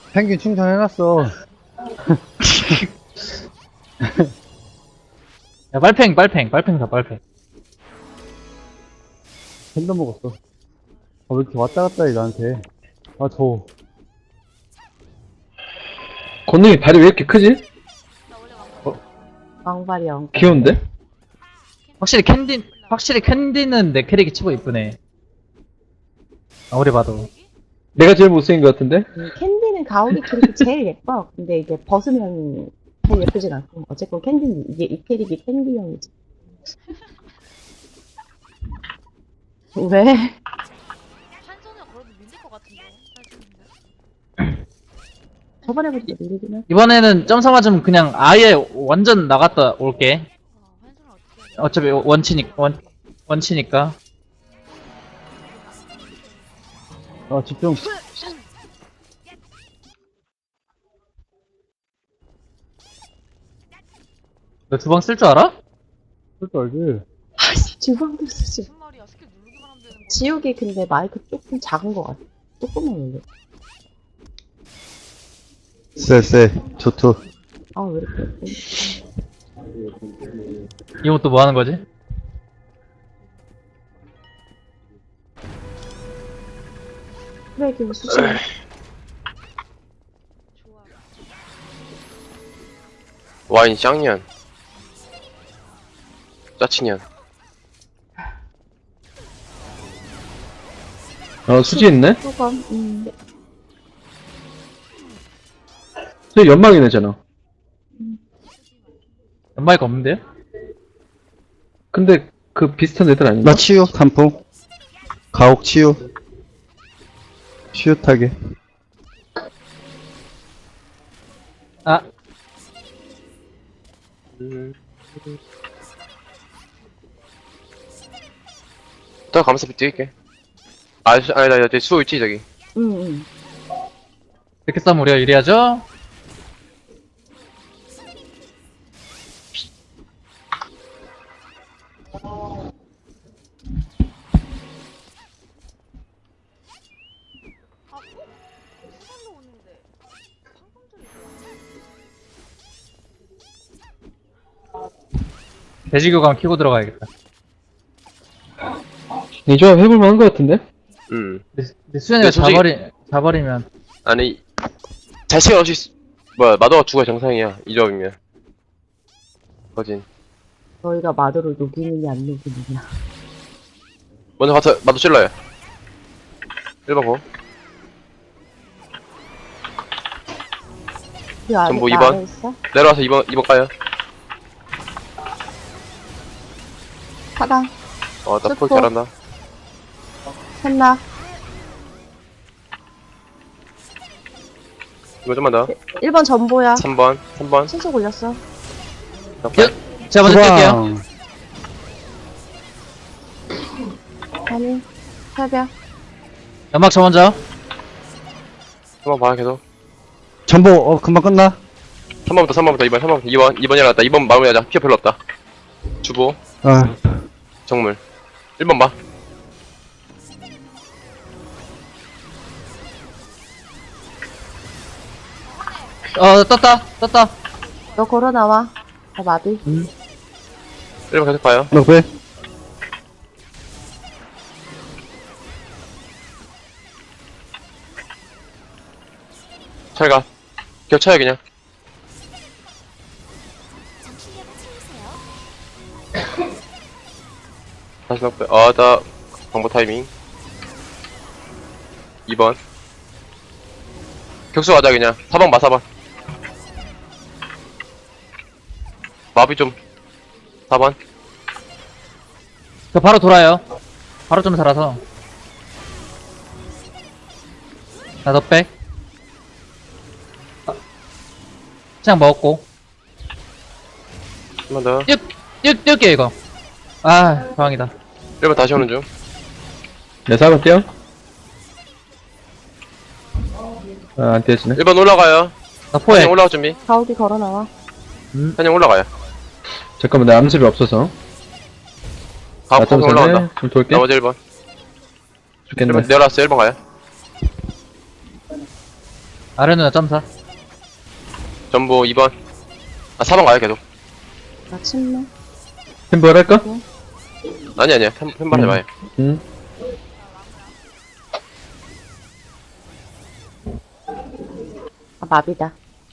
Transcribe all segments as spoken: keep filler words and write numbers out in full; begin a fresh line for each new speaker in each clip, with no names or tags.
펭귄 충전해놨어.
야, 빨팽, 빨팽, 빨팽 사, 빨팽.
팬더 먹었어. 아, 왜 이렇게 왔다 갔다 해, 나한테. 아, 더워.
건능이 발이 왜 이렇게 크지?
왕발이 왕.
귀여운데?
확실히 캔디, 확실히 캔디는 내 캐릭이 치고 이쁘네. 아무리 봐도.
내가 제일 못생긴 것 같은데?
음, 캔디는 가오리 캐릭이 제일 예뻐. 근데 이게 벗으면 잘 예쁘진 않고. 어쨌건 캔디는 이게 이 캐릭이 캔디형이지. 왜?
한 손에 걸어도 밀릴 것 같은데.
저번에 보니까 밀리긴 하.
이번에는 점사 맞으면 그냥 아예 완전 나갔다 올게.
어, 한 손을 어떻게 해야 돼?
어차피 원치니, 원, 원치니까.
아, 집중.
너 두 방 쓸 줄 알아?
쓸줄 알지?
아이씨, 주방도 쓰지.
무슨 말이야? 스킬 누르기만 하면 되는 거야.
지옥이 근데 마이크 조금 작은 것 같아. 조금만 올려.
쎄쎄, 좋투.
아, 왜 이렇게.
이거 또 뭐 하는 거지?
쓰레기 수지.
좋아.
와인 쌍년 짜치년
어, 수지 있네?
수건, 음.
수지 연막이네잖아.
연마이가 없는데요?
근데 그 비슷한 애들 아닌가?
나 치유, 단풍. 가옥 치유. 치유 타게.
아,
더 감사비 뛸게. 아, 아니, 아니, 아니, 저기 수호 있지, 저기.
응, 응.
이렇게 싸면 우리가 유리하죠?
아, 어? 수건도 오는데. 방금 전에
돼지교감 키고 들어가야겠다.
이 조합 해볼만 한 것 같은데?
음.
근데, 근데 수현이가
근데 솔직히-
자버리, 자버리면.
아니, 자식은 없이, 쓰- 뭐야, 마도가 죽어야 정상이야. 이 조합이면. 거진.
너희가 마도를 녹이느냐, 안 녹이느냐.
먼저 가서 마도 찔러요. 일 번 고.
그 안에,
전부
나
이 번.
안에 있어?
내려와서 이 번, 이 번 까요.
사당,
어, 나 포기
슬퍼.
잘한다.
셋나.
이거 좀만 더.
일 번 전보야.
삼 번, 삼 번.
신속 올렸어.
예, 제가 먼저 뛸게요.
아니, 새벽.
연막 저 먼저.
삼 번 봐, 계속.
전보, 어, 금방 끝나?
삼 번부터, 삼 번부터, 이 번, 삼 번부터, 이 번, 이 번이 나왔다. 이 번 마무리하자. 피어 별로 없다. 주보,
아,
정물. 일 번 봐.
어, 떴다, 떴다.
너 걸어 나와. 나 마비.
일 번 계속 봐요.
너 왜?
잘 가. 겹쳐요, 그냥. 다시 넉배. 어, 나, 방법 타이밍. 이 번. 격수 가자, 그냥. 사 번 봐, 사 번. 마비 좀. 사 번.
저 바로 돌아요. 바로 좀 살아서. 나 더 백. 아, 그냥 먹었고.
한 번 더.
뛰, 뛰, 뛸게요, 이거. 아, 방황이다.
일 번 다시 오는 중.
내 사번 뛰어? 아, 안 뛰어지네.
일 번 올라가요.
나 포획.
한영 올라갈 준비.
가오디 걸어 나와.
한영 올라가요.
잠깐만, 내 암습이 없어서.
가고
나좀
폭 올라간다.
좀 돌게.
나머지 일 번. 일
죽겠네.
번 내려왔어, 일 번 가요.
아래 누나 점사.
전부 이 번. 아, 사 번 가요, 계속.
나 침묵.
템벌 할까?
아니, 아니야. 한, 한번 해봐요.
응.
아, 마비다.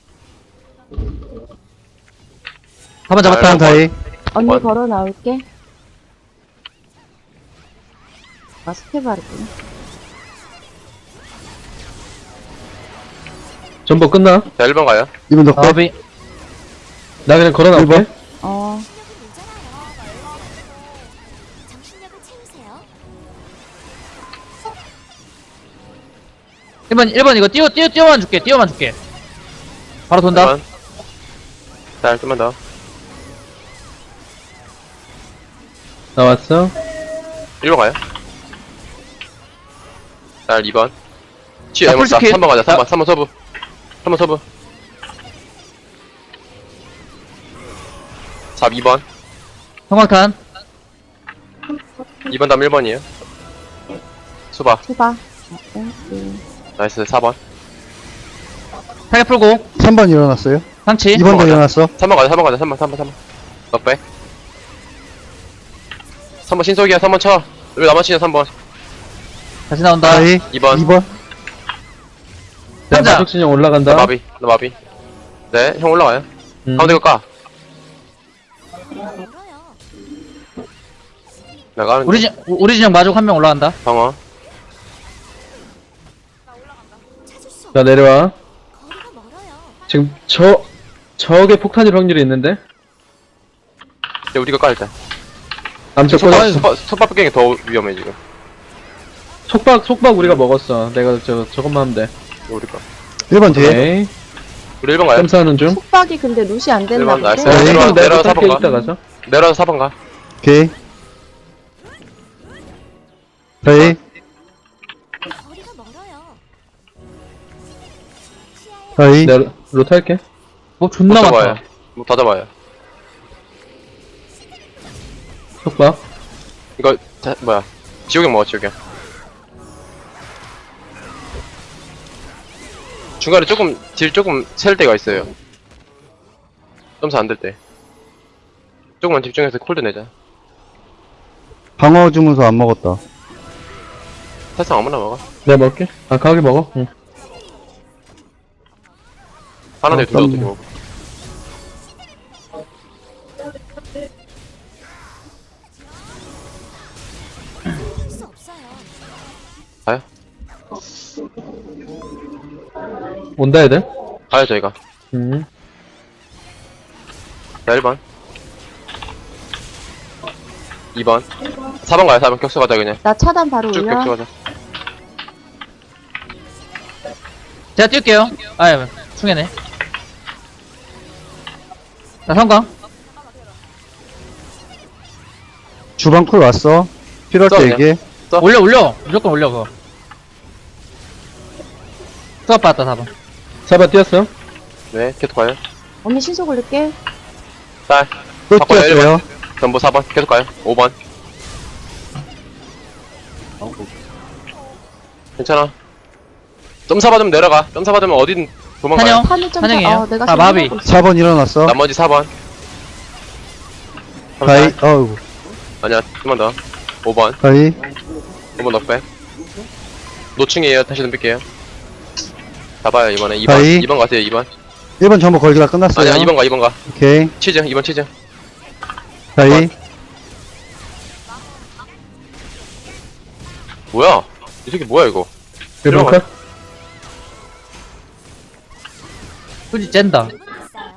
사 번 잡았다.
아,
다이.
언니
원.
걸어 나올게. 아, 스텝 바르구나.
전보 끝나?
자, 일 번 가요.
이번 넉백.
마비.
나 그냥 걸어 나올게.
일
어,
정신력을 채우세요.
일 번, 일 번 이거 띄워, 띄워, 띄워만 줄게. 띄워만 줄게. 바로 돈다.
일 번. 자, 좀만 더.
나왔어.
일 번 가요. 자, 이 번. 치유
자,
에모사.
풀스킬.
삼 번 가자. 삼 번. 삼 번 서브. 삼 번 서브. 사, 이 번.
성광탄.
이 번 다음 일 번이에요. 수바.
투바. 어, 땡큐.
나이스. 사 번.
타겟 풀고.
삼 번 일어났어요.
상치.
이 번도
가자.
일어났어.
삼 번 가자. 삼 번 가자. 삼 번, 삼 번, 삼 번. 넉백. 삼 번 신속이야. 삼 번 쳐. 왜 나만 치냐, 삼 번.
다시 나온다.
다이.
이 번.
이 번.
나
상자.
마족 진영
나
올라간다.
마비. 나 마비. 네, 형 올라가요.
음.
가운데 거 까.
멀어요.
나가는
우리 진, 우리 진영 마족 한 명 올라간다.
방어.
찾을 수 없.
자, 내려와.
거리가 멀어요.
지금 저, 저게 폭탄일 확률이 있는데?
이제 우리가 까, 일단.
암석
속박,
꺼.
속박, 속박 갱이 더 위험해, 지금.
속박, 속박 우리가 먹었어. 내가 저, 저것만 하면 돼.
이거 우리 거.
일 번 뒤에.
오케이.
우리 일 번 가요.
점사하는 중.
속박이 근데 룻이 안 됐나
일반 나이스.
본데?
네.
내려와,
내가
내려와, 사
탈게
번
이따
가.
가서.
내려와서 사 번 가.
오케이. 다이.
거리가 멀어요. 시야에
다이.
내가 로 탈게.
뭐 존나
못
많다.
잡아요. 뭐 다 잡아요.
속박.
이거, 자, 뭐야. 지옥형 먹어, 지옥형. 중간에 조금, 딜 조금 셀 때가 있어요. 점수 안 될 때. 조금만 집중해서 콜드 내자.
방어 주문서 안 먹었다.
사실상 아무나 먹어.
내가 먹을게. 아, 가게 먹어. 응.
하나
어,
내둘다 어떻게
그럼요.
먹어.
할 수 없어요.
가요?
온다, 애들.
가요, 저희가.
음.
자, 일 번. 이 번. 사 번 가요, 사 번. 격수 가자, 그냥.
나 차단 바로
쭉
올려.
격수 가자.
제가 뛸게요. 아, 충해네. 나 성광.
주방 쿨 왔어. 필요할
써,
때
그냥.
얘기해.
올려, 올려. 무조건 올려, 그거. 수업 받았다, 사 번.
사바 뛰었어.
네, 계속 가요.
언니 신속 올릴게.
딸.
또
바꿔요,
뛰었어요.
전부 사 번. 계속 가요. 오 번. 괜찮아. 점사 받으면 내려가. 점사 받으면 어디든 도망가요.
찬영.
판을 좀
찬영이에요.
어, 내가
아,
지금
마비.
하고 있어.
사 번 일어났어.
나머지 사 번.
다이. 어우.
아니야, 좀만 더. 오 번.
다이.
오 번 넉백. 노충이에요. 다시 덤빌게요. 잡아요, 이번에. 이 번.
다이.
이 번 가세요, 이 번.
일 번 전부 걸기가 끝났어요.
아니야, 이 번 가, 이 번 가.
오케이.
치즈, 이 번 치즈.
다이.
뭐야? 이 새끼 뭐야, 이거?
일 번
들어가.
컷.
솔직히 짠다.
있어요.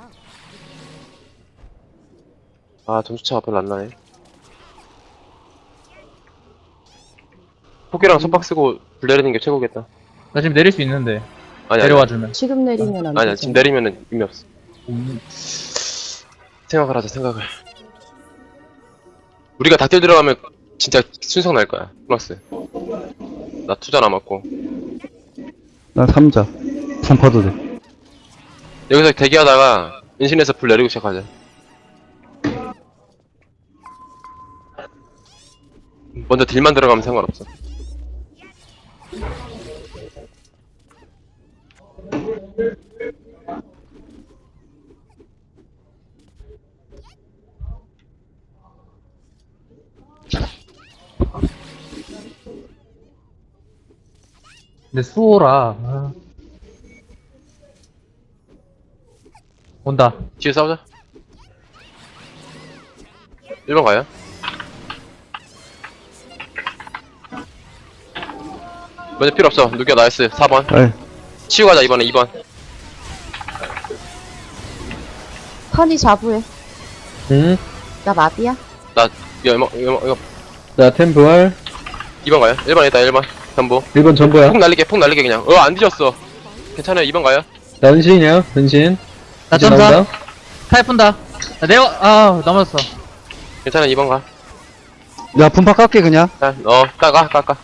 아, 점수차가 별로 안 나네. 포기랑 손박 쓰고 불 내리는 게 최고겠다.
나 지금 내릴 수 있는데.
아니,
내려와주면.
지금 내리면 안
아니야,
되지.
지금 내리면은 의미 없어. 생각을 하자, 생각을. 우리가 닭들 들어가면 진짜 순삭 날 거야, 플러스. 나 투자 남았고.
난 삼자. 삼 파도 돼.
여기서 대기하다가 은신에서 불 내리고 시작하자. 먼저 딜만 들어가면 상관없어.
근데 수호라. 아. 온다.
뒤에 싸우자. 일 번 가요. 먼저 필요 없어. 누겨 나이스. 사 번.
네.
치우 가자 이번에 이 번.
턴이 자부해.
응.
나 마비야.
나 이거 이거 이거, 이거
자, 템부활.
이 번 가요. 일 번 있다 일 번. 전부.
일 번 전부야.
폭 날리게 폭 날리게 그냥. 어안 뒤졌어. 괜찮아요. 이 번 가요.
나 은신이야, 은신.
나
이제
점사.
나온다.
타입 푼다. 나 내가, 아, 넘었어.
괜찮아 이 번 가.
야, 분파 깎게, 그냥.
자, 어 까가 까까.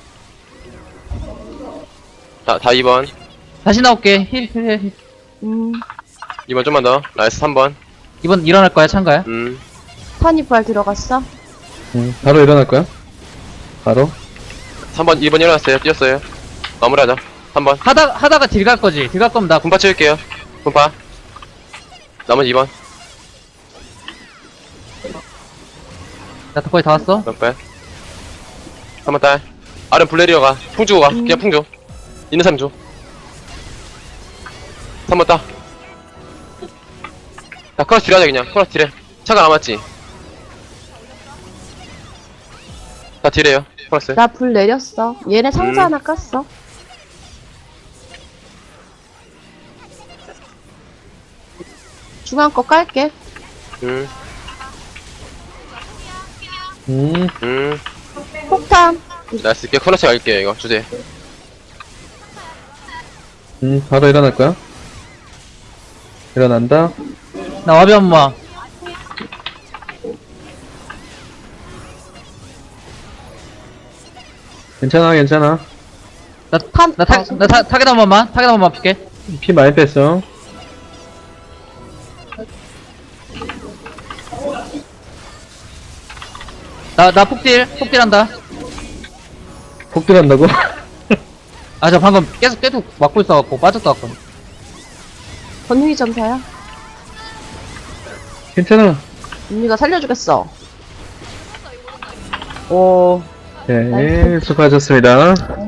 자다 이 번.
다시 나올게. 힐, 힐, 힐.
음,
이 번 좀만 더. 나이스 삼 번.
이번 일어날 거야, 참가야?
음.
턴이 부활 들어갔어.
응, 바로 일어날 거야. 바로.
삼 번 이 번 일어났어요. 뛰었어요. 마무리하자. 삼 번.
하다, 하다가 딜 갈 거지. 딜 갈 거면 나,
분파 채울게요. 분파. 나머지 이 번.
나 거의 다 왔어.
몇 번. 한 번 딸. 아름 블레리어 가. 풍 주고 가. 그냥 풍 줘. 있는 사람 줘. 삼 번 따. 자, 크로스 딜하자, 그냥. 크로스 딜해. 차가 남았지? 자, 딜해요. 크로스.
나 불 내렸어. 얘네 상자
음.
하나 깠어. 중앙 거 깔게.
음,
음,
음.
폭탄.
나이스. 이렇게 크로스 갈게요, 이거. 주제.
음, 바로 일어날 거야. 일어난다.
나 와비 엄마.
괜찮아, 괜찮아.
나,
탄.
나 타, 나 타, 타겟 한 번만. 타겟 한 번만 볼게.
피 많이 뺐어.
나, 나 폭딜. 폭딜 한다.
폭 들어간다고?
아, 저 방금 계속, 계속 막고 있어갖고 빠졌다 왔거든.
권능이 점사야.
괜찮아.
언니가 살려주겠어. 오.
네, 수고하셨습니다.